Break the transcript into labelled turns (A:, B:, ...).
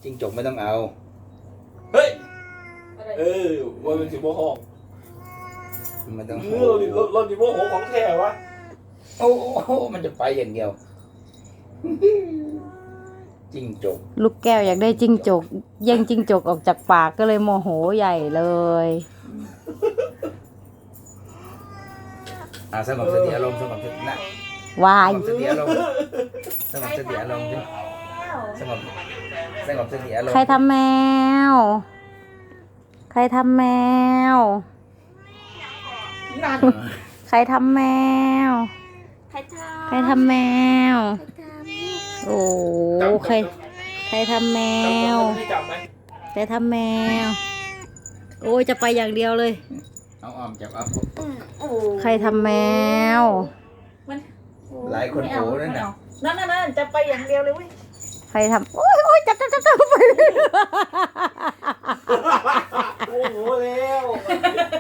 A: จิ้งจกไม่ต้องเอา
B: เฮ้ยวันเป็นสิบโมงหก
A: ไม่ต้อง
B: เราดิโมโหของแท้วะ
A: โอ้โหมันจะไปอย่างเดียวจิ้งจก
C: ลูกแก้วอยากได้จิ้งจกแย่งจิ้งจกออกจากปากก็เลยโมโหใหญ่เลย
A: สงบสติอารมณ์สงบสตินะ
C: วา
A: ส
C: ย
A: งบสติอารมณ์สงบสติอารมณ์สงบสติอารมณ์
C: ใครทำแมว ใครทำแมว
B: นั่น
C: ใครทำแมว
D: ใครท
C: ใครทำแมว
D: ำใครท
C: โอ้ใครทำแมว
B: ไม่จับไหม
C: ใครทำแมว โอ้ยจะไปอย่างเดียวเลย
A: เอาอ้อมจับเอา
D: ำโอ้
C: ใครทำแมว
A: หลายคนโอ้นั่นน่ะ
D: นั่นจะไปอย่างเดียวเลยเว้ย
C: ใครทำโอ้ยจับไป
B: โอ้โหแล้ว